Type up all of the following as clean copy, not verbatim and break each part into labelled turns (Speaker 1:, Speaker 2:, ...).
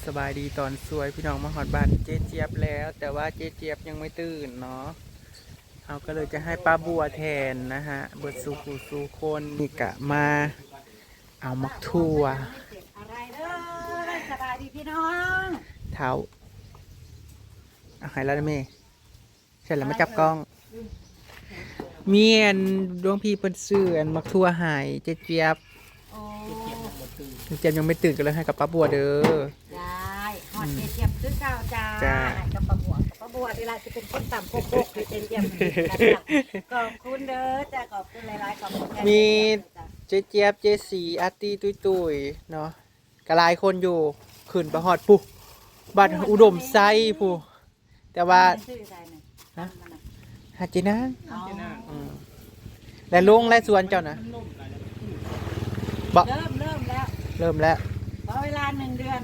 Speaker 1: สบายดีตอนสวยพี่น้องมาหอดบ้านเจ๊เจี๊ยบแล้ว แต่ว่าเจ๊เจี๊ยบยังไม่ตื่นเนาะเราก็เลยจะให้ป้าบัวแทนนะฮะเบิดสู่ผู้สู่คนนี่กะมาเอามักทั่ว
Speaker 2: อะไรเด้อสบายดีพี่น้อง
Speaker 1: เท้าเอาให้แล้วนะเมย์เสร็จแล้วมาจับกล้องเมียนดวงพี่เปิ้นซื้ออันมักทั่วใหายเจ๊เจี๊ยบ
Speaker 2: โอ้
Speaker 1: เจ๊เจี๊ยบยังไม่ตื่นก็เลยให้กับป้าบัวเด้อ
Speaker 2: ได้หอดเจี๊ยบซื้อข้าวจ้า
Speaker 1: จ้า
Speaker 2: กับปลาบัวเวลาจะเป็นคนต่ำโคกให้เจี๊ยบขอบคุณเด้อจ้าขอบคุณหลายๆขอบคุณ
Speaker 1: มีเจ๊เจี๊ยบเจ๊สีอาร์ตี้ตุยเนาะกระลายคนอยู่ขึ้นไปหอดปุ๊บัดอุดมไซผู้แต่ว่าหาเจนะและลุงและสวนเจ้านะบอก
Speaker 2: เริ่มแล้ว
Speaker 1: เริ่มแล้ว
Speaker 2: ขอเวลา1 เดือน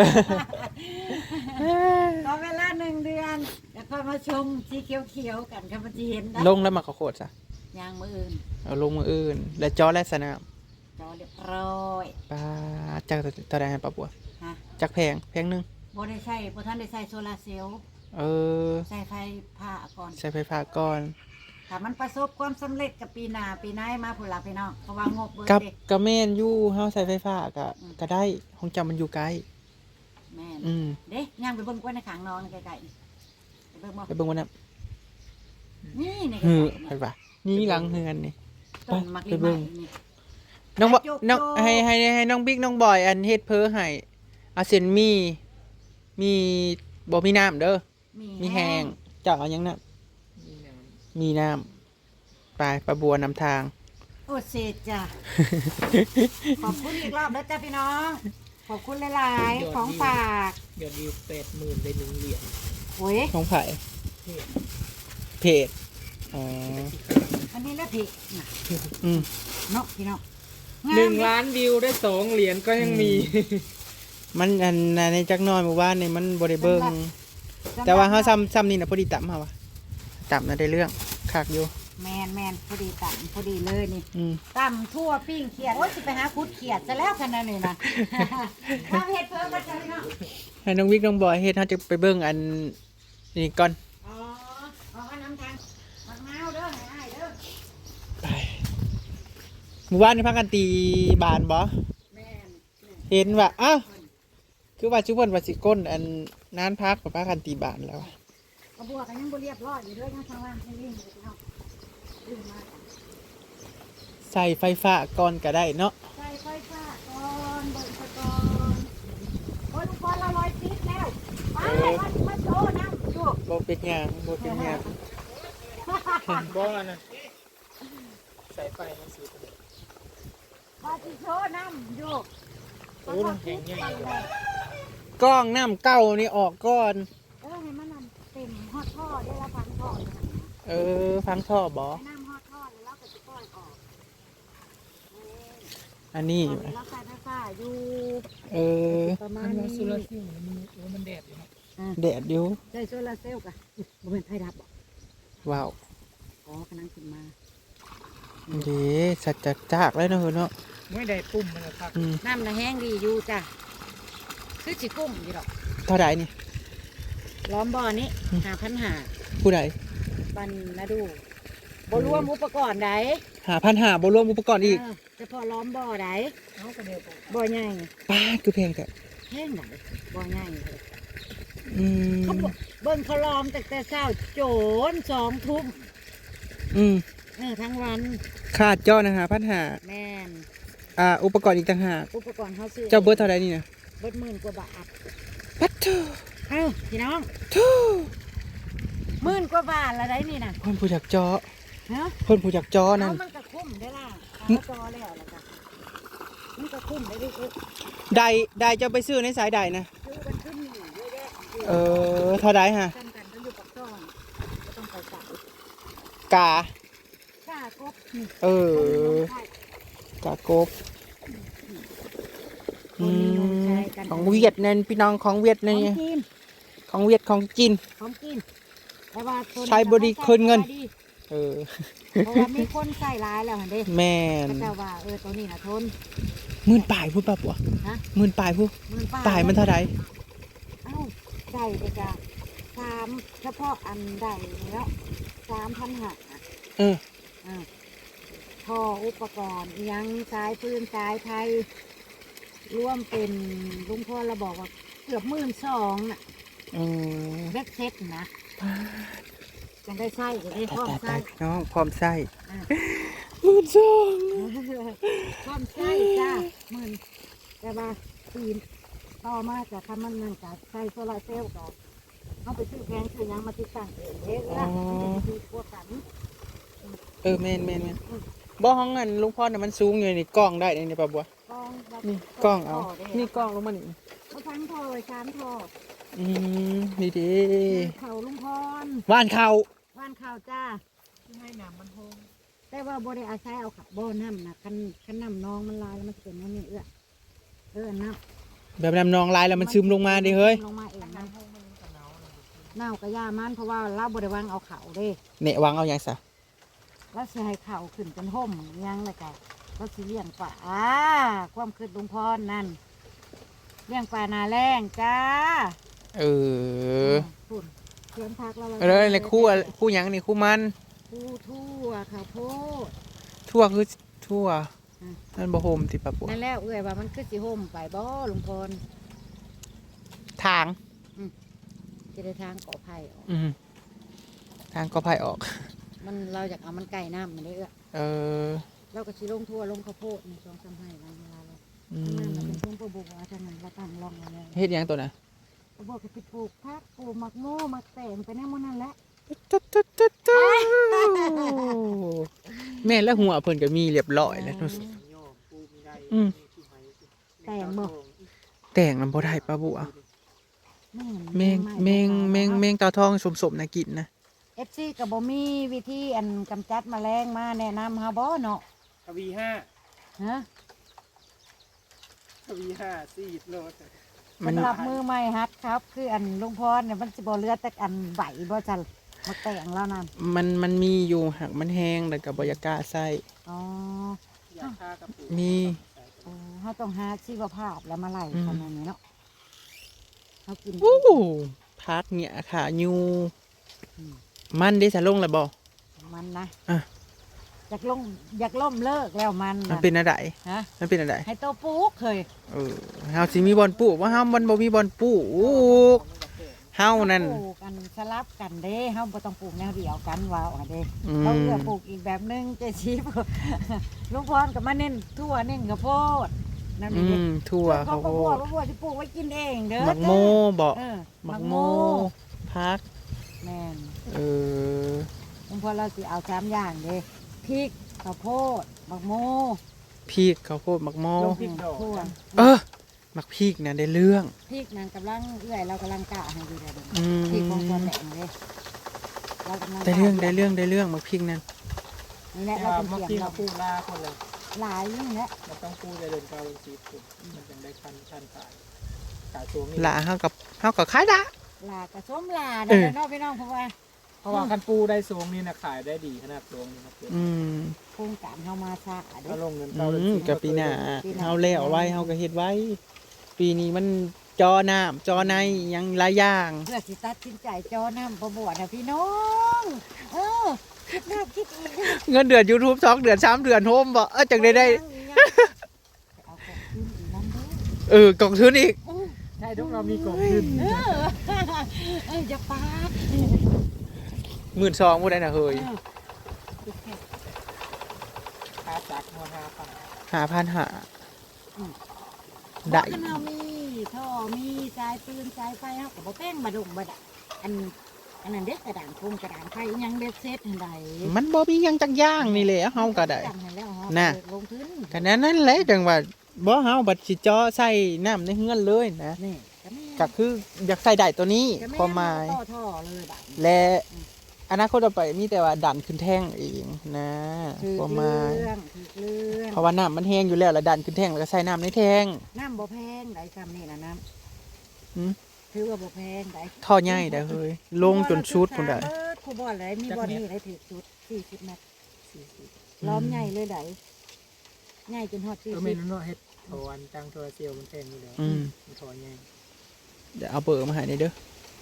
Speaker 2: ขอเวลา1 เดือนแล้วก็มาชมสีเขียวๆกันครับมันจะเห็นได้
Speaker 1: ลงแล้วมาขอโคตรซะ
Speaker 2: ยางมืออื่น
Speaker 1: เอาลงมืออื่น และจอและสนาม
Speaker 2: จอเรียบร้อย
Speaker 1: ปลาจักตะไดให้ปลาบัว
Speaker 2: ฮะ
Speaker 1: จักแพงหนึง
Speaker 2: บ่ได้ใช้บ่ทันได้ใช้โซลาร์เซลล์
Speaker 1: เออ
Speaker 2: ใช้ไฟผ้าก่อน
Speaker 1: ใช้ไฟฟ้าก่อน
Speaker 2: ถ้ามันประสบความสำเร็จกับปีหน้ามาพุ่นล่ะพี่น้องเพราะว่างบเบิด
Speaker 1: กับ
Speaker 2: เด้
Speaker 1: กระเมนอยู่เฮาใช้ไฟฟ้าก็ได้ห้องจำมันอยู่ไกล
Speaker 2: แม่น
Speaker 1: อืม
Speaker 2: เด้ย่างไปเบิ่งกล้วยในข้างนอนใกล้ๆนี่ไปเบิ่งบ่
Speaker 1: ไปเบิ่งวันนั้น
Speaker 2: นี่ในใก
Speaker 1: ฮือ
Speaker 2: ล้ๆ
Speaker 1: ไป
Speaker 2: นี่
Speaker 1: ป่ะนี่หลังเฮือนนี่
Speaker 2: ต้นมัก
Speaker 1: ไป
Speaker 2: ลิ
Speaker 1: เบิ่
Speaker 2: ไม้
Speaker 1: ง
Speaker 2: นี่
Speaker 1: น้องบอก
Speaker 2: จุก
Speaker 1: น้อง
Speaker 2: จุก
Speaker 1: ให้น้องบิ๊กน้องบอยอันเฮ็ดเพ้อให้เอาเส้นมีบ่มีน้ำเด้อมีแห้งเจ้าเอาหยังน้ำมีน้ำไปปลาบัวนำทาง
Speaker 2: โอ้เสร็จจ้ะ ขอบคุณอีกรอบแล้วจ้ะพี่น้อง ขอบคุณหลายๆของฝาก
Speaker 3: ยอดวิว80,000ได้1 เหรียญ
Speaker 2: โอ้ย
Speaker 1: ของไผ่เพจอ๋อ
Speaker 2: อันนี้แล้วผิดน่ะ
Speaker 1: อืม
Speaker 2: เนาะพี่น้อง
Speaker 3: 1 ล้านวิวได้2 เหรียญก็ยังมี
Speaker 1: มันอันในจักหน้อยหมู่บ้านนี่มันบ่ได้เบิ่งแต่ว่าเฮาซ้ำนี่น่ะพอดีต่ำเฮาว่ะต่ำน่ะได้เรื่องคักอยู่
Speaker 2: แมนพอดีต่ำพอดีเลยนี่
Speaker 1: อืม
Speaker 2: ต่ำทั่วปิ้งเขียดโอ้ยสิไปหาคุดเขียดซะแล้วขนาดนี้นะ มาเห็ดเพิ่มกันจ้ะพี่น้อง
Speaker 1: ให้น้องบิ๊กน้องบอยเฮ็ดเฮาจะไปเบิ่งอันนี่ก่อน
Speaker 2: อ๋อเอาน้ำทางมะนาวเด้อให้อ้ายเด้อ
Speaker 1: ไปหมู่บ้านนี่พักกันตีบานบ่
Speaker 2: แม่น
Speaker 1: เห็นว่าอ้าวคือว่าชุบเพิ่นว่าสิก้นอันนานพักกับพักกันตีบานแล้ว
Speaker 2: กระบวกกันยังบ่เรียบร้อยอยู่เด้อยังทางล่างยังวิ่งอยู่พี่น้องวิ่งมา
Speaker 1: ใส่ไฟฟ้าก่อนก็ได้เนาะ
Speaker 2: ใส่ไฟฟ้าก่อนเบิ่งซะก่อนโอ้ยลูกบอลละร้อยติดแล้วไปมาโชว์น้ำลูก
Speaker 1: บ่เป็นหยังบ่เป็นหยัง
Speaker 3: บ่นะสายไฟมันสูง
Speaker 2: มาสิโชว์น้ำลูก
Speaker 3: โอ้น้ำแข็งใหญ่
Speaker 1: กล้องน้ำเก้านี่ออกก่อน
Speaker 2: ให้มันน้ำเต็มฮอดท่อได้ละพันท่อเลยนะ
Speaker 1: เออฟังท่อบ่
Speaker 2: ให้น้ำฮอดท่อแล้วก็จะปล่อยออก
Speaker 1: อันนี้
Speaker 2: ตอนนี้เราใส่ไฟฟ้าอยู่
Speaker 1: เออ
Speaker 2: ประมา
Speaker 3: มั
Speaker 2: ณ
Speaker 3: น
Speaker 2: นี้
Speaker 3: ว่าโซลาร์เซลล์มันแดดอยู่เนาะ
Speaker 1: แดดอยู่
Speaker 2: ใส่โซลาร์เซลล์กะบ่เป็นไฟดับบ่
Speaker 1: ว้าว
Speaker 2: อ๋อกำลังขึ้นมา
Speaker 1: เด้สัจจะจากเลยเนาะเนาะ
Speaker 3: ไม่ได้ปุ่มมันนะครับ
Speaker 1: อืม
Speaker 2: น้ำน่ะแห้งดีอยู่จ้ะคือสิกุ้มอยู่ดอก
Speaker 1: เท่าใดนี่
Speaker 2: ล้อมบ่อนี้5,500
Speaker 1: ผู้ใด
Speaker 2: ปันนะดูบ่รวมอุปกรณ์ใด
Speaker 1: 5,500บ่รวมอุปกรณ์อีก
Speaker 2: เฉพาะล้อมบ่อใด
Speaker 3: เอากระเดียวไป
Speaker 2: บ่อใหญ่
Speaker 1: ป้าดคือแพงแต่
Speaker 2: แห้งไหนบ่อใหญ่
Speaker 1: อืม
Speaker 2: เขาบอกเบิ่งเขาล้อมตั้งแต่เช้าโจน2 ทุ่ม
Speaker 1: อืม
Speaker 2: ทั้งวัน
Speaker 1: ขาดจ้อนะ5,500
Speaker 2: แม่น
Speaker 1: อุปกรณ์อีกต่างหาก
Speaker 2: อุปกรณ์เขาซื้อ
Speaker 1: เจ้าเบิดเท่าใดนี่นะ
Speaker 2: เบิด10,000 กว่าบาท
Speaker 1: ปัดโธ่
Speaker 2: เอ้าพี่น้อง
Speaker 1: โธ่
Speaker 2: 10,000 กว่าบาทละได้นี่น่ะ
Speaker 1: เพิ่นผู้จักจ้อ
Speaker 2: ฮะ
Speaker 1: เพิ่นผู้จักจ้อนั่น
Speaker 2: มันก็คุ้มได้ล่ะเอาจอแล้วล่ะจ้ะมันก็คุ้มได้ดิคือ
Speaker 1: ใดเจ้าไปซื้อในสายใดนะ
Speaker 2: มันขึ้นอยู่เยอะแยะ
Speaker 1: เท่าใดฮะ
Speaker 2: จำกันก็อยู่ปักซ่องก็ต้องไปใส่
Speaker 1: กา
Speaker 2: ค่ากบนี่
Speaker 1: เออ
Speaker 2: ใช่
Speaker 1: กากบ
Speaker 2: คนนิยมใช้กัน
Speaker 1: ของเวียดนั่นพี่น้องของเวียด
Speaker 2: ขอ
Speaker 1: นี่
Speaker 2: งกิน
Speaker 1: ของเวียดของจีน
Speaker 2: ของกินแต่ว่าตัวนี้
Speaker 1: ใช้บริคืนเงิน
Speaker 2: ดี
Speaker 1: เออ
Speaker 2: เพราะว่ามีคนใส่ร้ายแล้วเห็นเด้
Speaker 1: แม่น
Speaker 2: ก็จะว่าตัวนี้นะทน
Speaker 1: หมื่นปลายพูดป่ะปัว
Speaker 2: ฮะ
Speaker 1: หมื่นปลายพูด
Speaker 2: 10,000
Speaker 1: ปลายมันเท่าใด
Speaker 2: ส่ไปจ้ะ3เฉพาะอันใดนี่แล้ว3,500
Speaker 1: เออ
Speaker 2: ท่ออุปกรณ์อิหยังสายปืนสายไทยร่วมเป็นลุงพ่อเราบอกว่าเกือบ12,000น่ะ
Speaker 1: อืม
Speaker 2: เบ็ดเซ็ตนะจังได้ไส้จะได้พร้อมไส้
Speaker 1: น้องพร้อมไส้
Speaker 2: อ่ะ
Speaker 1: 12,000
Speaker 2: พร้อมไส้จ้า10,000แต่ว่าปีนต่อมาจะทำมันนั่นกับไส้โซลาร์เซลล์กับเอาไปซื้อแพงซื้อหยังมาติดตั้งเองเด้อละมันจะดีกว่ากัน
Speaker 1: แม่นบ่ห้องเงินลุงพ่อเนี่ยมันสูงอยู่นี่กล้องได้นี่ป่ะบัว
Speaker 2: กองแบบ
Speaker 1: นี่กล้องเอา
Speaker 2: ด้
Speaker 1: นี่กล้องลงมานี่
Speaker 2: เอาทั้งท่อไว้ชามท่อ
Speaker 1: นี่ดี
Speaker 2: เขาลุงพร
Speaker 1: ว่านเขา
Speaker 2: บ้านข่าวจ้า
Speaker 3: ที่ให้น้ำมันโฮง
Speaker 2: แต่ว่าบ่ได้อาศัยเอาขับบ่น้ำนะคันน้ำนองมันลายแล้วมันจะเป็นอย่างนี้น้ำ
Speaker 1: แบบน้ำนองลายแล้วมันซึมลงมาดิเฮ้ย
Speaker 2: ลงมาเองนะ
Speaker 3: น้ำโฮงมันจะหนาวนะ
Speaker 2: เน่ากระยามันเพราะว่าเราบ่ได้วางเอาเขาเด้
Speaker 1: เนี่ยวางเอาอย่างซะ
Speaker 2: แล้วสิให้เขาขึ้นเป็นห่มยังเลยจ้ะแล้วสิเลี้ยงปลาความคืดลุงพรนั่นเลี้ยงปลานาแรงจ้า
Speaker 1: เออ
Speaker 2: ฝุ่นเขียนพักแล้ว
Speaker 1: เลยคู่หยังนี่คู่มัน
Speaker 2: คู่ทั่วข้าวโพด
Speaker 1: ทั่วคือทั่ว
Speaker 2: อืม
Speaker 1: นั่นบ่โฮมติปะปัว
Speaker 2: นั่นแล้วเอ้ยว่ามันคือสิห่มไปบ่ลุงพร
Speaker 1: ทาง
Speaker 2: จะได้ทางก่อไผ่ออก
Speaker 1: ทางก็พายออก
Speaker 2: มันเราอยากเอามันไก่น้ำมันได้
Speaker 1: เอ
Speaker 2: เ
Speaker 1: อ
Speaker 2: เราก็ชิลงทั่วลงข้าวโพดในช่วงซ้ำให้เวลาเรา
Speaker 1: อื
Speaker 2: ทำงานเรา
Speaker 1: ม
Speaker 2: เป็นช่วงปลูกว่าทางนั้นเราตั้งร่องมาแล้ว
Speaker 1: เฮ็ดหยังตัวน่ะ
Speaker 2: ปลูกก็สิปลูกผักปลูกหมักโม่หมักแตงไปแน่หมดนั่นแหละ
Speaker 1: แม่นแล้วหัวเพิ่นก็มีเรียบร้อยแล้วเนาะ
Speaker 3: โยมปูมีได้
Speaker 1: อืม
Speaker 3: ที่ไหน
Speaker 2: แตงบ่
Speaker 1: แต่งนำบ่ได้ปะบัวแมงตาทองสมๆน่ะกินนะ
Speaker 2: เอฟซีกับบ่มีวิธีอันกำจัดแมลงมาแนะนำเฮาบ่เนาะ
Speaker 3: ทวีห้า
Speaker 2: ฮะ
Speaker 3: ทวีห้าซีดโลด
Speaker 1: มัน
Speaker 2: สำหรับมือใหม่ฮัดครับ คืออันลุงพรเนี่ยมันสิบ่เหลือแต่อันใบบ่จันมาแต่งแล้วนั่น
Speaker 1: มันมีอยู่หักมันแห้งแล้วก็บ่อยากกล้าใส่
Speaker 2: อ๋อ
Speaker 3: อยากฆ่ากระปู
Speaker 1: มี
Speaker 2: เฮาต้องหาชีวภาพแล้วมาไล่ขนาดนี้เนาะเฮากิน
Speaker 1: อู้พักเนี่ยค่ะยูมันได้สะลงแล้วบ่
Speaker 2: มันนะ
Speaker 1: อ่ะ
Speaker 2: อยากล่มเลิกแล้วมัน
Speaker 1: มัน
Speaker 2: น่ะ
Speaker 1: เป็นอะไร
Speaker 2: ฮะ
Speaker 1: มันเป็นอะไร
Speaker 2: ให้โตปลูกเคย
Speaker 1: เฮาสิมีบอลปลูกว่าเฮามันบ่มีบอลปลูกเฮานั่น
Speaker 2: ปลูกกันสลับกันเด้เฮาบ่ต้องปลูกแนวเดียวกันว่าเอาเด้
Speaker 1: อื
Speaker 2: เขา
Speaker 1: ม
Speaker 2: เลือกปลูกอีกแบบนึงเจชีพ ลุงพรก็มาเน้นทั่วเน้นข้าวโพดนั่น
Speaker 1: อื
Speaker 2: นี่เด้
Speaker 1: มทั่ว
Speaker 2: เขา
Speaker 1: ข้าว
Speaker 2: ก็
Speaker 1: โพ
Speaker 2: บว
Speaker 1: ด
Speaker 2: กว่าสิปลูกไว้กินเองเด้อ
Speaker 1: หมักโมบ่
Speaker 2: เออ
Speaker 1: หมักโมพัก
Speaker 2: แม่น
Speaker 1: เออ
Speaker 2: ลุงพรเราสิเอา3อย่างเด้พริกข้าวโพดหมักโม
Speaker 1: พริกข้าวโพดหมักโม
Speaker 2: ทั่ว
Speaker 1: หมักพริกน่ะได้เรื่อง
Speaker 2: พริกนั่นกำลังเอื้อยเรากำลังกะให้อยู่เด้อเด้อ
Speaker 1: อืม
Speaker 2: พริกของตัวแหลงเด้เรากำลัง
Speaker 1: ได้เรื่องหมักพริกนั่น
Speaker 2: นี่แหละ
Speaker 3: แต่
Speaker 2: เรา
Speaker 3: ว่า
Speaker 2: เป็น
Speaker 3: เมื่อ
Speaker 2: เสียง
Speaker 3: กี้
Speaker 2: เรา
Speaker 3: มาปูลาคนเลย
Speaker 2: หลายเรื่องแล้ว
Speaker 3: มันต้องปูจะเดินเกาซีดมันยังได้คันขายตัวนี่
Speaker 1: หลาเฮากับขายละ
Speaker 2: ลากระส้มลาเด้อเนาะพี่น้องเพราะว่า
Speaker 3: เพราะว่าคันปูได้สูงนี่นะขายได้ดีขนาดสูงนี่นะ
Speaker 1: อืม
Speaker 2: โครงการเฮามาซะเด้
Speaker 3: ถ้า
Speaker 2: อ
Speaker 3: ลงเงินเกาเลย
Speaker 1: กับปีหน้าเฮาแล้วไว้เฮาก็เฮ็ดไว้ ปีนี้มันจอน้ำจอในยังหลายอย่าง
Speaker 2: เพื่อสิตัดสินใจจอน้ำประบวชนะพี่น้องคิดแล้วคิดอีกนะ
Speaker 1: เงินเดือน YouTube 2 เดือน 3 เดือนโฮมบ่จังได้
Speaker 2: เอาของขึ้นอีกนั่นเด้
Speaker 1: กล่องทุนอีก
Speaker 3: ใช่ทุกเรามีกบขึ้น
Speaker 2: จะปาด
Speaker 1: 12,000บ่ได้น่ะเฮ้ย
Speaker 3: ค่าจักรมา
Speaker 1: 5,500ได้
Speaker 2: กันเฮามีท่อมีสายปืนสายไฟเฮาก็บ่แป้งบ่ดงบ่ดะอันนั้นเด็กกระดานโครงกระดานไฟอิหยังเด็ดเซ็ตหั่นใด
Speaker 1: มันบ่มีหยังจักอย่างนี่แหละเฮาก็ได้
Speaker 2: จังให้แล้วเฮา
Speaker 1: น่ะ
Speaker 2: ลงทุน
Speaker 1: ก็นั่นแหละจังว่าบ่เฮาบัดสิเจาะใส่น้ำในเฮือนเลยนะ
Speaker 2: นี่ก็แม่
Speaker 1: ก็คืออยากใส่ได้ตัวนี้
Speaker 2: ก็แ
Speaker 1: ความหมาย
Speaker 2: ต่อท่อเลยบัดนี้
Speaker 1: และอนาคตต่อไปมีแต่ว่าดันขึ้นแท่งเองนะ
Speaker 2: ถือ
Speaker 1: ความห
Speaker 2: เรื่
Speaker 1: มาย
Speaker 2: องถือเรื่อง
Speaker 1: เพราะว่าน้ำมันแห้งอยู่แล้วแล้วดันขึ้นแท่งแล้วก็ใส่น้ำในแท่ง
Speaker 2: น้ำบ่แพงได้ซ้ำนี่นะน้
Speaker 1: หืม
Speaker 2: ำถือว่าบ่แพงได้
Speaker 1: ท่อใหญ่ได้อเฮ้ยลงจนชุดพุ่นได้
Speaker 2: ครูบอลเลยมีบอลนี่ได้ถือชุด40เมตรล้อมใหญ่เลยได้ใหญ่จนฮอด
Speaker 3: ก็ไม่รู้เนาะเฮ็ดถอนจังโทรเซียวมันแพงอยู่แล้ว
Speaker 1: อืม
Speaker 3: มันถอนไง
Speaker 1: เดี๋ยวเอาเบอร์มาให้นี่เด้อ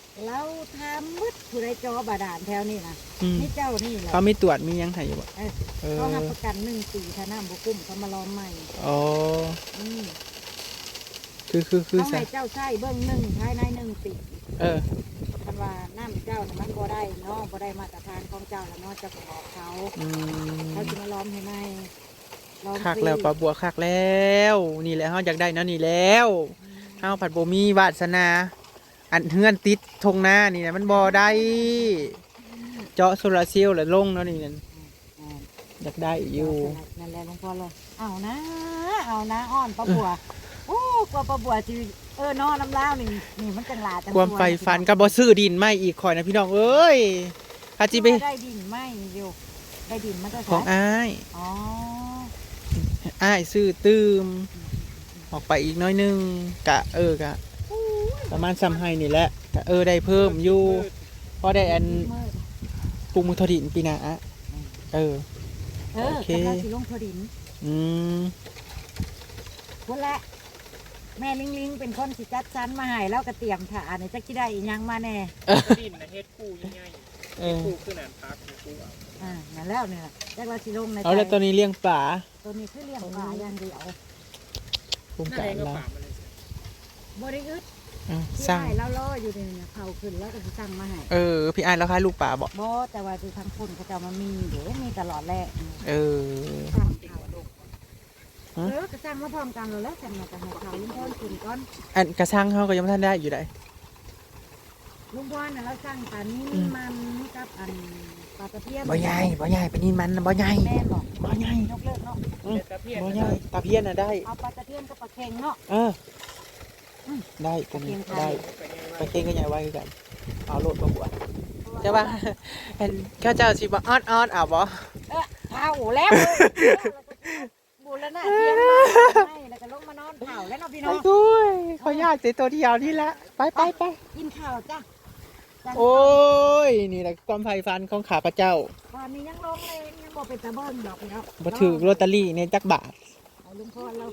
Speaker 2: เราทำมืดผู้ใดจอบาดาลแถวนี้นะ
Speaker 1: อืม
Speaker 2: นี่เจ้านี่แหละ
Speaker 1: เขามีตรวจมีหยังให้อยู่บ่
Speaker 2: เออ
Speaker 1: เออ
Speaker 2: เขาทำประกัน1 ปีถ้าน้ำบุกุ้มเขามาล้อมใหม่
Speaker 1: อ๋อ
Speaker 2: อืม
Speaker 1: คือ
Speaker 2: เขา
Speaker 1: ซะ
Speaker 2: ให้เจ้าใช้เบื้องหนึ่งภายใน1 ปี
Speaker 1: เออ
Speaker 2: คันว่าน้ำเจ้าน่ะมันบ่ได้เนาะบ่ได้มาตรฐานของเจ้าแล้วเนาะเจะก็บอกเขา
Speaker 1: อืม
Speaker 2: เขาจะมาล้อมให้ไหมล้อม
Speaker 1: คัก
Speaker 2: ฟรี
Speaker 1: แล้วปลาบัวคักแล้วนี่แหละเฮาอยากได้เนาะนี่แล้วเฮาผัดบ่มีวาสนาอันเฮือนติดทงหน้านี่นะมันบ่ได้เจาะโซลาร์เซลล์แล้วลงเนาะนี่นั่น
Speaker 2: อ่า
Speaker 1: อยากได้อยู่
Speaker 2: นั่นแหละหลวงพ่อเลยเอานะอ้อนปลาบัวโอ้กว่าปลาบัวจีนอนน้ำล้าวนี่มันจังหลาจัง
Speaker 1: ความใฝ่ฝันก็บ่ซื้อดินไม่อีกข่อยนะพี่น้องเอ้ยถ้าจิไป
Speaker 2: ได้ดินไหมอยู่ได้ดินมันจะ
Speaker 1: ของอ้าย
Speaker 2: อ๋อ
Speaker 1: อ้ายซื้อตื้มออกไปอีกน้อยนึงกะกะประมาณซ้ำให้นี่แหละกะได้เพิ่มอยู่พอได้อัน
Speaker 2: มืด
Speaker 1: ปลูกมือทอดินปีหน้าโอเค
Speaker 2: กำลังสิลงพอดิน
Speaker 1: อืม
Speaker 2: คนละแม่ลิงเป็นคนสิจัดสรรมาให้แล้วก็เตรียมถ่าเนี่ยจะคิดได้อีหยังมาแน่
Speaker 3: ดินนะเฮ็ดคู่ง่าย
Speaker 1: เอ
Speaker 3: ๆ
Speaker 1: อ
Speaker 3: คู่คือหนานพักคู่เอา
Speaker 2: นั่นแล้วเนี่ยจักเราสิลงใน
Speaker 1: เอาแล้วตอนนี้เลี้ยงปลา
Speaker 2: ตัวนี้คือเลี้ยงปลาอย่างเดียว
Speaker 1: โครง
Speaker 3: นั่น
Speaker 1: การ
Speaker 3: เองก็
Speaker 1: เรา
Speaker 3: ป่ามันเลย
Speaker 2: บริอึด
Speaker 1: อ่ะ
Speaker 2: ที่
Speaker 1: สร้าง
Speaker 2: ได้แล้วล่ออยู่เนี่ยเขาขึ้นแล้วก็สิสั่งมาให้
Speaker 1: พี่อ้ายแล้วค่ายลูกปลาบอก
Speaker 2: บ่แต่ว่าคือทางคนเขาจะมามีเดี๋ยวมีตลอดแหละ สั่งเขาก็สั่งมาพร้อมกันเลยแล้วสั่งมาแต่ให้เขาลุงพรขึ้นก่อน
Speaker 1: อันกระชังเขาก็ยังไม่ทันได้อยู่ได้
Speaker 2: ลุงพรน่ะเราสั่งปลานี้มันกับอันปลาตะเพียน
Speaker 1: บ่ใหญ่เป็นนินมันนะบ่ใหญ่
Speaker 2: แม่บอก
Speaker 1: บ่ใหญ่
Speaker 2: ยกเลิกเนาะ
Speaker 3: แต่ตะเพียน
Speaker 1: บ่ใหญ่ตาเพี้ยนน่ะได้
Speaker 2: เอาปลาตะเพียนกับปลาเค็งเนาะ
Speaker 1: ได้กันนี้
Speaker 2: ปลาเค็งไทย
Speaker 1: ได้ไปเก่งก็ใหญ่ไว้คือกันเอาโลดบ่หัวใช่ป่ะเห็นข้าเจ้าสิบ่อ้อนเอาบ่
Speaker 2: เผาแล้วบูรณะเทียนให้แล้วก็ลงมานอนเผาแล้วเนาะพี่
Speaker 1: ไป
Speaker 2: น้อง
Speaker 1: ด้วยเขาญาติเจตัวเดียวนี่ละไป
Speaker 2: กินข้าวจ้ะ
Speaker 1: โอ้ยนี่แหละความไฟฟันของข้าพเจ้า
Speaker 2: ตอนนี้ยังลงเลยยังบอกเป็นตะเบิ้ลดอกแล้ว
Speaker 1: บ่ถือลอตเตอรี่เนี่ยจักบาท
Speaker 2: เอาลุงพรเรา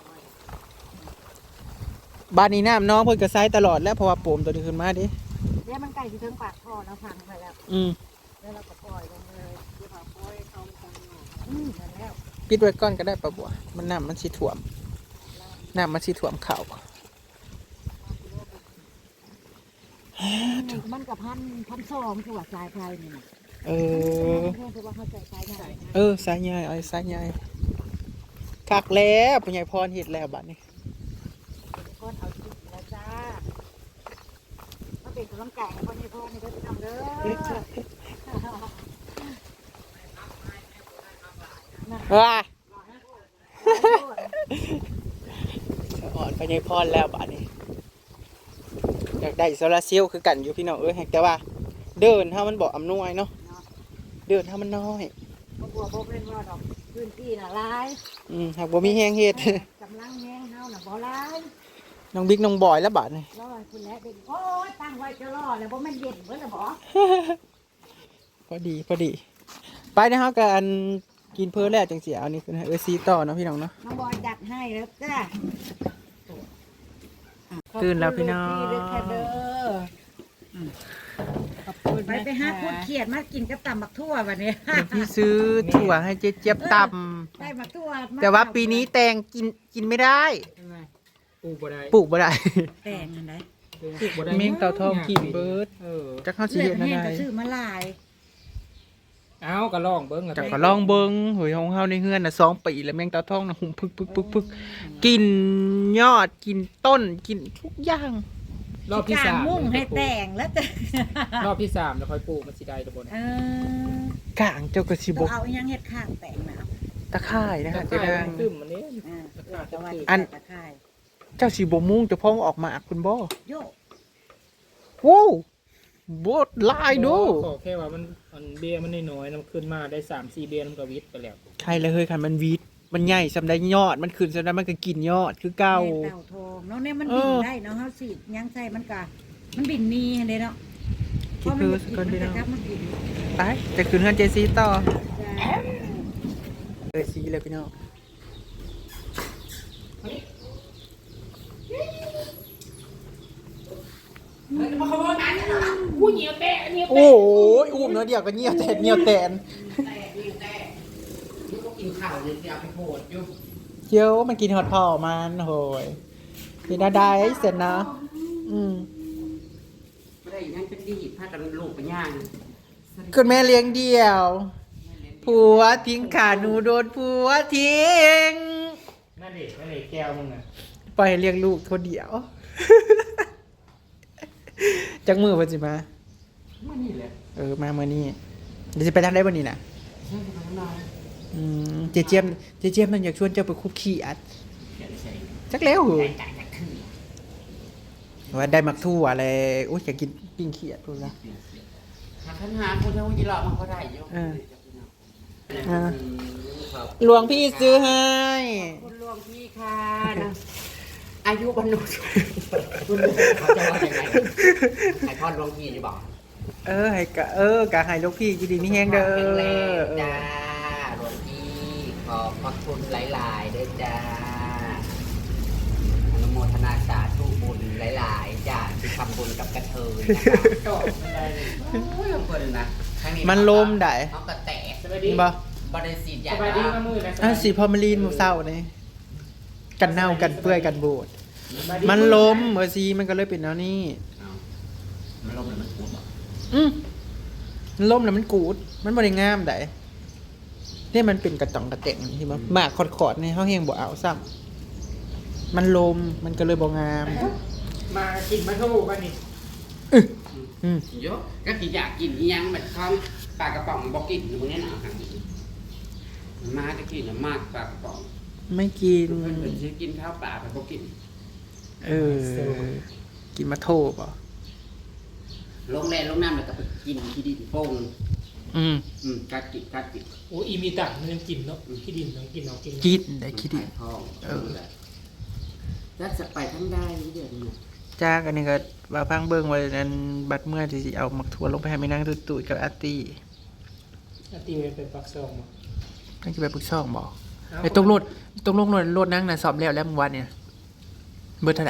Speaker 1: บ้านนี้น้ำน้องเพิ่นก็ใช้ตลอดแล้วเพราะว่าโปมตัวนี้ขึ้นมาดิ
Speaker 2: เดี๋ยวมันใกล้ที่ถึงปากท่อแล้วพังไปแล้ว
Speaker 1: อืม
Speaker 2: แล้วเราก็ปล่อยลงเลยเดี๋ยวเราปล่อยเขาฟังนั่นแล้ว
Speaker 1: ปิดไว้ก่อนก็ได้ปะบัวมันน้ำมันสิท่วมน้ำมันสิท่วมเข่า
Speaker 2: มันกับพันสองคือว่าสายไฟนี่นะ
Speaker 1: เออ
Speaker 2: เพื่อนคือว่าเขาใส่สายใหญ่
Speaker 1: สายใหญ่สายใหญ่คักแล้วปุญญพรเฮ็ดแล้วบัดนี้
Speaker 2: ก้อนเอาจิตแล้วจ้ามาเป็นกำลังใจให้คนนี้พ่อนี่เด้อพี่น้องเด้อ
Speaker 1: ว้าอ่อนปุญญพรแล้วบัดนี้อยากได้โซลาร์เซลล์คือกันอยู่พี่น้องแต่ว่า เดินถ้ามันบอกอำนวยเนาะเดินถ้ามันน้อย
Speaker 2: บ่บัวบ่เป็นว่าดอกพื้นที่น่ะหลาย
Speaker 1: หากบ่มีแห้งเฮ็ด
Speaker 2: กำลังแห้งเฮาน่ะบ่หลาย
Speaker 1: น้องบิ๊กน้องบอยแล้วบัดนี้
Speaker 2: รอให้คุณแล้วเด็กโอ้ยตั้งไว้จะรอแล้วบ่แม่นเย็นเบิดแล้วบ่
Speaker 1: พอดีไปนะครับกันกินเพิ่มแล้วจังเสียเอานี่คือให้ซีต่อเนาะพี่น้องเนาะ
Speaker 2: น้องบอยจัดให้แล้วจ้า
Speaker 1: ตื่นแล้วพี่น้อง
Speaker 2: ขบคุณลูกพี่ด้วยค่ะเด้อไปหาพูดเขียดมากินกับตำบักทั่ววันนี้
Speaker 1: เดี๋ยวพี่ซื้อถั่วให้เจ๊เจี๊ยบต
Speaker 2: ได้บักทั่ว
Speaker 1: ำแต่ว่าปีนี้แตงกินไม่ได้
Speaker 3: ปลูกบ่ได้
Speaker 1: ปลูกบ่ได้
Speaker 2: แตงอันไหน
Speaker 3: ปลูกบ่ได้
Speaker 1: เมงเต่าทองกินเบิร์ด จักเข้าสิ
Speaker 2: เลือ
Speaker 1: เฮ็
Speaker 2: ด
Speaker 1: ด
Speaker 2: แห้ง
Speaker 1: อะไร
Speaker 2: ก็ซื้อมาหลาย
Speaker 3: เอาก็ลองเบิ่ง
Speaker 1: จักก็ลองเบิ่งเฮ้ยของเฮาในเฮือนน่ะ2 ปีแล้วแมงเต่าทองน่ะหุ่มพึกกินยอดกินต้นกินทุกอย่าง
Speaker 3: รอบที่
Speaker 2: กาง
Speaker 3: 3
Speaker 2: มุ่งให้แตงแล้วจ้ะ
Speaker 3: รอบที่3แล้วค่อยปลูกมันสิได้ตะบน
Speaker 1: กลางเจ้าก็สิ
Speaker 2: ต้
Speaker 1: บ่
Speaker 2: องเอาอีหยังเฮ็ดข้างแตงนะ
Speaker 1: ตะไคร้นะฮะเจ๊นาง
Speaker 3: ตึ้มมันนี่
Speaker 2: แต่ว่า
Speaker 1: อัน
Speaker 2: ตะไคร้
Speaker 1: เจ้าสิบ่มุ่งเจะพ้องออกมาคุณบ่
Speaker 2: โย
Speaker 1: โว้วบดลายดู
Speaker 3: ขอแค่ว่ามันเบี้ยมันน้อยๆมันขึ้นมาได้ 3-4 เบี้ยมันก็วิทย์ไปแล้ว
Speaker 1: ใครเลยเฮ้ยคันมันวีดมันใหญ่สำได้ยอดมันขึ้นสำได้มันก็กินยอดคือเก่า
Speaker 2: เต่าทองเนาะเนี่ยมันบินได้เนาะเฮาสิยังใส่มันก็มันบินมีหั่นเด้เนาะ
Speaker 1: คิดคือก่อนพี่น้อง
Speaker 2: มันบิน
Speaker 1: ไปจะขึ้นเฮือนเจซีต่อ
Speaker 2: จ้า
Speaker 1: ซีเลยพี่น้อง
Speaker 3: เหนียวแตะเหนียว
Speaker 1: โอ้
Speaker 3: แตะ
Speaker 1: โหอุ้มเนาะเดียวก็เงียวแตนเงียวแตน
Speaker 4: ลูกก็กินข้าวเลยเดี๋ยวไปโผล่อยู่
Speaker 1: เจียวมันกินฮอดพ่อมันโหยกินอะไรเสร็จนะ
Speaker 4: ไม่ได้ยังเป็นดีพากันลูกไปย่าง
Speaker 1: คุณแม่เลี้ยงเดี่ยวผัวทิ้งขาหนูโดนผัวทิ้ง
Speaker 3: นั่นเด็กแก้วมึงน่ะ
Speaker 1: ปล่อยให้เลี้ยงลูกคนเดียว จักมือเพิ่นสิมา
Speaker 4: มานี่แหละ
Speaker 1: มาเมื่อนี้เดี๋ยวจะไปทางได้วันนี้นะ
Speaker 4: ใช่ไหมน้อง
Speaker 1: เจเจี๊ยบมันอยากชวนเจ้าไปคุกขี้อัด
Speaker 4: เดี๋ยวใส่
Speaker 1: จักแล้วเหรอ
Speaker 4: จ่ายจากขึ้น
Speaker 1: ว่าได้มักทั่วอะไรอุ้ยอยากกินปิ้งขี้อัดพูดละ
Speaker 4: หาคันหาคนเท่ายี่หลอกมันก็ได้อยู่
Speaker 1: หลวงพี่ซื้อให้
Speaker 4: คุณหลวงพี่ค่ะนะอายุบรรลุคุณเขาจะว่ายังไงไอพอดหลวงพี่จะบอก
Speaker 1: ให้กะให้ลูกพี่ยินดีมีแห้งเด้อ
Speaker 4: แข็งแรงจ้าหลวงพี่ขอบพระคุณหลายๆเด้อจ้าอนุโมทนาสาธุบุญหลายๆจ้าที่ทำบุญกับกระเทยนะคะ
Speaker 3: ก็ไม่ได้เลย
Speaker 4: โอ้ยเพิ่นนะครั้ง
Speaker 1: มันลมได้
Speaker 4: เขาก็แตก
Speaker 3: สบายดี
Speaker 1: บ่
Speaker 4: บริสิทธิ์ใหญ่
Speaker 3: สบายดีมามือนะ
Speaker 1: สีพอมารีนหมูเศร้านี่กันเน่ากันเปื่อยกันบูดมันลมสีมันก็เลยเป็นแนวนี้
Speaker 4: มันลมหรือมันปูดบ่
Speaker 1: มันล้มแล้วมันกูด มันบ่ได้งามได้เนี่ยมันเป็นกระจ่องกระเต่งที่มันหมากขอดๆนี่เฮาแฮงบ่เอาซ้ำมันลมมันก็เลยบ่งาม
Speaker 3: มากินมาทูกันนี่
Speaker 4: เยอะก็กินอยากกินอีหยังแบบข้าวปลากระป๋องบอกกินอยู่มึงเนี่ยนะค่ะมาจะกินมากปลากระป๋อง
Speaker 1: ไม่กิน
Speaker 4: เพิ่นสิกินข้าวปลาไปบอกกิน
Speaker 1: กินมาโทบอ่ะ
Speaker 4: ลงแรงลงน้ำแล้วก็ไปกินที่ดินโป่งกัดกิน
Speaker 3: โอ้อีมีตังมันยังกินเนาะขี้ดินต้องกินเอากิน
Speaker 1: กินได้คิดดิ
Speaker 4: ทองแล้วจะไปทั้งได้นี่เดี๋ยวนี้
Speaker 1: จ้างอันนี้ก็ว่าพังเบิ่งไว้นั้นบัดเมื่อที่สิเอามักถั่วลงไปให้แม่นางตุ้ยๆกับอาร์ตี้
Speaker 3: ตีเป็นปักซองมา
Speaker 1: ตั้งสิไปปรึกช่องบ่ไอ้ตกรถนั่งน่ะสอบแล้วเมื่อวานเนี่ยเบิดเท่าไหร่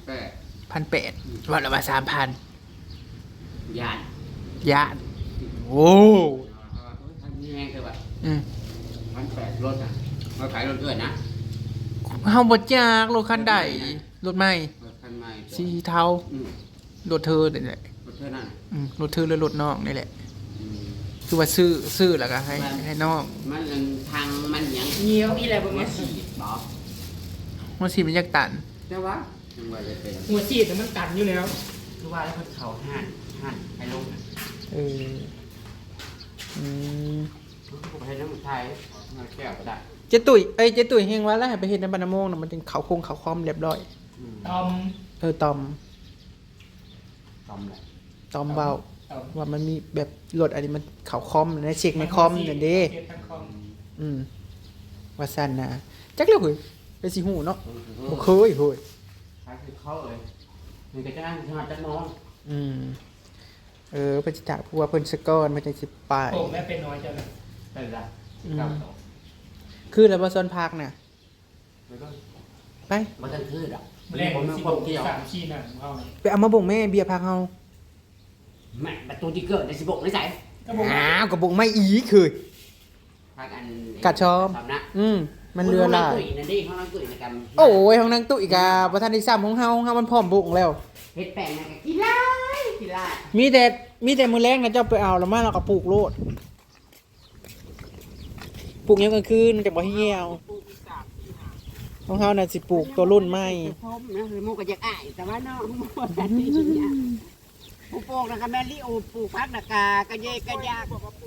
Speaker 4: 1,800
Speaker 1: 1,800วันละว่า 3,000
Speaker 4: ย่าน
Speaker 1: ย่านโอ้
Speaker 4: ทำยังไงคือแบบ 1,800รถอ่ะมาขายรถด้วยนะ
Speaker 1: เฮาบ่จักรถคันใดรถใหม่
Speaker 4: รถคันใหม่
Speaker 1: สีเทารถเธอนี่แหละ
Speaker 4: รถเท่านั้น
Speaker 1: รถเธอหรือรถน้องนี่แหละคือว่าซื้อแล้วก็ให้น้อง
Speaker 4: มันทางมันยัง
Speaker 3: เหนียวอีอะไรบ้าง
Speaker 4: มา
Speaker 3: เนี่ย
Speaker 4: ฉีดบอ
Speaker 1: มันสิมันอยากตัน
Speaker 4: ใช่ปะจังหวะจะเป็น
Speaker 3: หัวฉีดแต่มันตันอยู่แล้ว
Speaker 4: คือว่าแล้วคนเขาห่านให้ลง
Speaker 1: เอออืม
Speaker 4: ผมให้น้ำไทยมาแก้วก็ได้
Speaker 1: เจตุยเฮงว่าแล้วให้ไปเฮ็ดในบรรณโมงน่ะมันเป็นเขาโครงเขาคอมเรียบร้อย
Speaker 3: ตอม
Speaker 1: ตอม
Speaker 4: ต้มเลย
Speaker 1: ตอมเบา
Speaker 3: ตอม
Speaker 1: ว่ามันมีแบบรถอันนี้มันเขาคอมนะเช็คในคอมนั่นเด้
Speaker 3: เช็คทางคอม
Speaker 1: ว่าซั่นนะจักแล้วเฮ้ยไปสิฮู้เนาะบ่เคยเฮ้ย
Speaker 4: ใช้คือเขาเลยมันก็จะนั่งทอดจักมอง
Speaker 1: เพิ่นสิถามผู้ว่าเพิ่นสกอนมันจังสิไป
Speaker 3: โป่งแม่เป็นน้อยจังเลย
Speaker 4: เป็นไรเก้าต่อ
Speaker 1: คือแล้วบ่ซอนพักน่ะ
Speaker 4: ไม่ต้อง
Speaker 1: ไป
Speaker 4: มันจะคืดอ่ะ
Speaker 3: แรง
Speaker 4: ผม
Speaker 3: สิบ
Speaker 4: ผมเกี่ยว
Speaker 3: 3 4นั่นเอา
Speaker 1: ไปเอามาบ่งแม่เบียร์พักเฮา
Speaker 4: แม่ประตูที่เกิดใน16ในใส่
Speaker 3: ก็บอก
Speaker 1: อ้าวก็บ่งไม่อีกคือ
Speaker 4: พักอัน
Speaker 1: กัดชอม
Speaker 4: ทำนะ
Speaker 1: มันเรือหลาย
Speaker 4: นั่นดิเขานั่งตุ๋ยในกัน
Speaker 1: โอ้ยห้องนางตุ้ยกาบ่ทันได้ซ้ำของเฮามันพร้อมบุกแล้ว
Speaker 4: เฮ็ดแป้งนะกินไล่กินไล่
Speaker 1: มีแต่มื้อแรกนะเจ้าไปเอาแล้วมาเราก็ปลูกโลดปลูกยามกลางคืนมันจะบ่เหี่ยวของเฮาน่ะสิปลูกตัวรุ่นใหม่
Speaker 4: พมนะคือมูก็อยากอ้ายแต่ว่าน้องมูดันนี่เนี่ยผู้ปลูกนะคะแม่ลิโอปลูกพักนะกากระเยกระยาก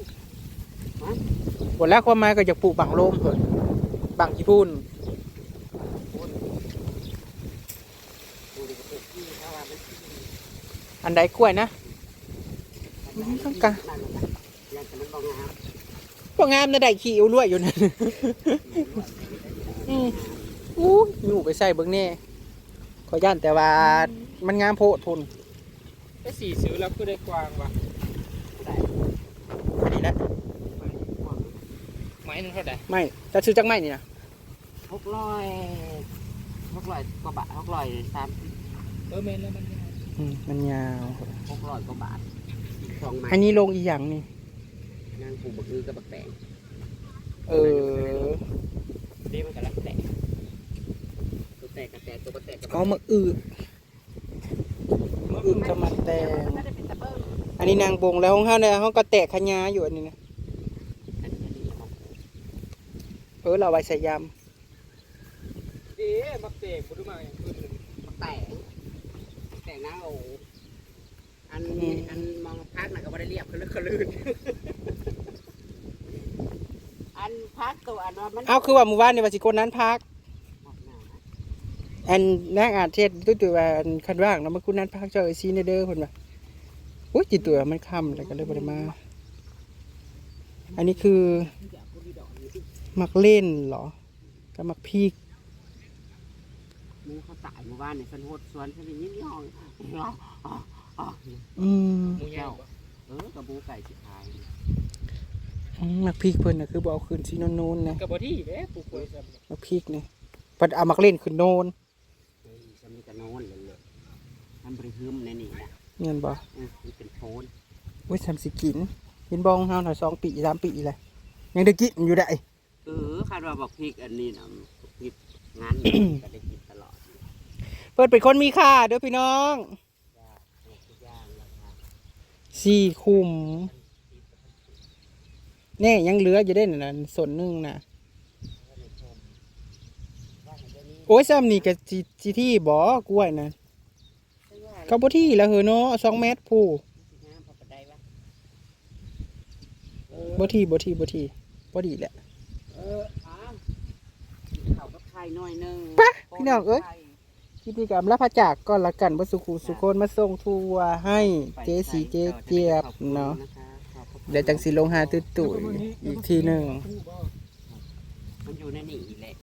Speaker 1: หมดแล้วความหมายก็อยากปลูกบังโลมเพิ่นบังญี่ปุ่นอันใดกล้วยนะต้องการบ่งามนะได้ขี้อิ่วรวยอยู่นั่นอู้อยู่ไปใส่เบิ่งแน่ขอย่านแต่ว่ามันงามโพดทน
Speaker 3: ไอ้สีซื้อแล้วก็ได้กวางว่ะ
Speaker 1: นี่แหละ
Speaker 3: ไม้นึงเท่าไหร่
Speaker 1: ไม่จะซื้อจักไม้นี่นะ
Speaker 4: 600กว่าบาท630
Speaker 3: เมนแล้วมัน
Speaker 1: มันยาว
Speaker 4: 600กว่าบาท 2ไม้
Speaker 1: อันนี้ลงอีหยังนี่
Speaker 4: นางปลูกบักอื้อกับบักแตง
Speaker 1: เออ
Speaker 4: เด้มันก็รักแตกตัวแตกกับแตกตัวบักแตกกับ
Speaker 1: เอามาอึก็มาแตงอันนี้นางบงแล้วห้องเฮาเนี่ยห้องก็แตกขยาอยู่อันนี้นะ
Speaker 4: อันนี้เอา
Speaker 1: เราไว้ใส่ย
Speaker 3: เอ๊ะบักเตกบ่ดูมาอย่างอื่นเลย
Speaker 4: บักแตกนะโอ้อันมองพักน่ะก็บ่ได้เรียบคือลึกคือลื่นอันพักตัวอันว่ามัน
Speaker 1: ำเอาคือว่าหมู่บ้านในวาสิโกนนั้นพัก อันนางอาจเทศตัวว่าอันคันว่างแล้วมาคุณนั้นพักเจ้าไอซีในเด้อเพิ่นว่าอุ้ยจิตตัวมันค่ำแล้วก็เลยบ่ได้มา อันนี้คือมักเล่นเหรอกับมักพีก
Speaker 4: หมูเขาตายหมู่บ้านเนี่ยฉันโหดสวนฉันเป็นยิ่งย่องอ๋อ
Speaker 1: อืม
Speaker 3: หมูใหญ่บ่
Speaker 4: กับหมูไก่สิขาย
Speaker 1: มักพีกเพิ่นน่ะคือบ่เอาคืนซีโนนๆนะ
Speaker 3: กับบ่ที่เด้ปลูกกล้วยซ้ำ
Speaker 1: มักพีกนี่เพิ่นเอามักเล่นขึ้นโนน
Speaker 4: เฮ้ยฉันมีแต่โน่นเลยมันบริหึมในนี่นะ
Speaker 1: เงินบ่
Speaker 4: มันเป็นโทน
Speaker 1: อุ้ยทำสิกินเห็นบองเฮาหน่อย2 ปี 3 ปีเลยยังได้กินอยู่ได้
Speaker 4: คาดว่าบอกพริกอันนี้นะพริกงาน ก็ได้กินตลอด
Speaker 1: เพิ่นเป็นคนมีค่าเด้อพี่น้อง
Speaker 4: ทุกอย่างราคา
Speaker 1: 4 คุมแน่ยังเหลืออยู่ได้นั่นส่วนหนึงน่ะโอ้ยซ้ำนี่ก็สิที่บ่กล้วยน่ะก็บ่ที่แล้วเหรอเนาะ2 เมตรผู้
Speaker 4: งามพอปได้ปะ
Speaker 1: บ่ที่บ่ดีแหละ
Speaker 4: อ้าวข้าวกับไข่หน่อยนึง
Speaker 1: ไปพี่น้องเอ้ย พิธีกรรมรับพระจากก่อนละกันบ่สุขุสุคนมาส่งทัวร์ให้เจสีเจเจี๊ยบเนาะเดี๋ยวจังสิลงหาตุ้ยๆอีกทีหนึง
Speaker 3: ผู้บ่
Speaker 4: มันอยู่ในนี่แหละ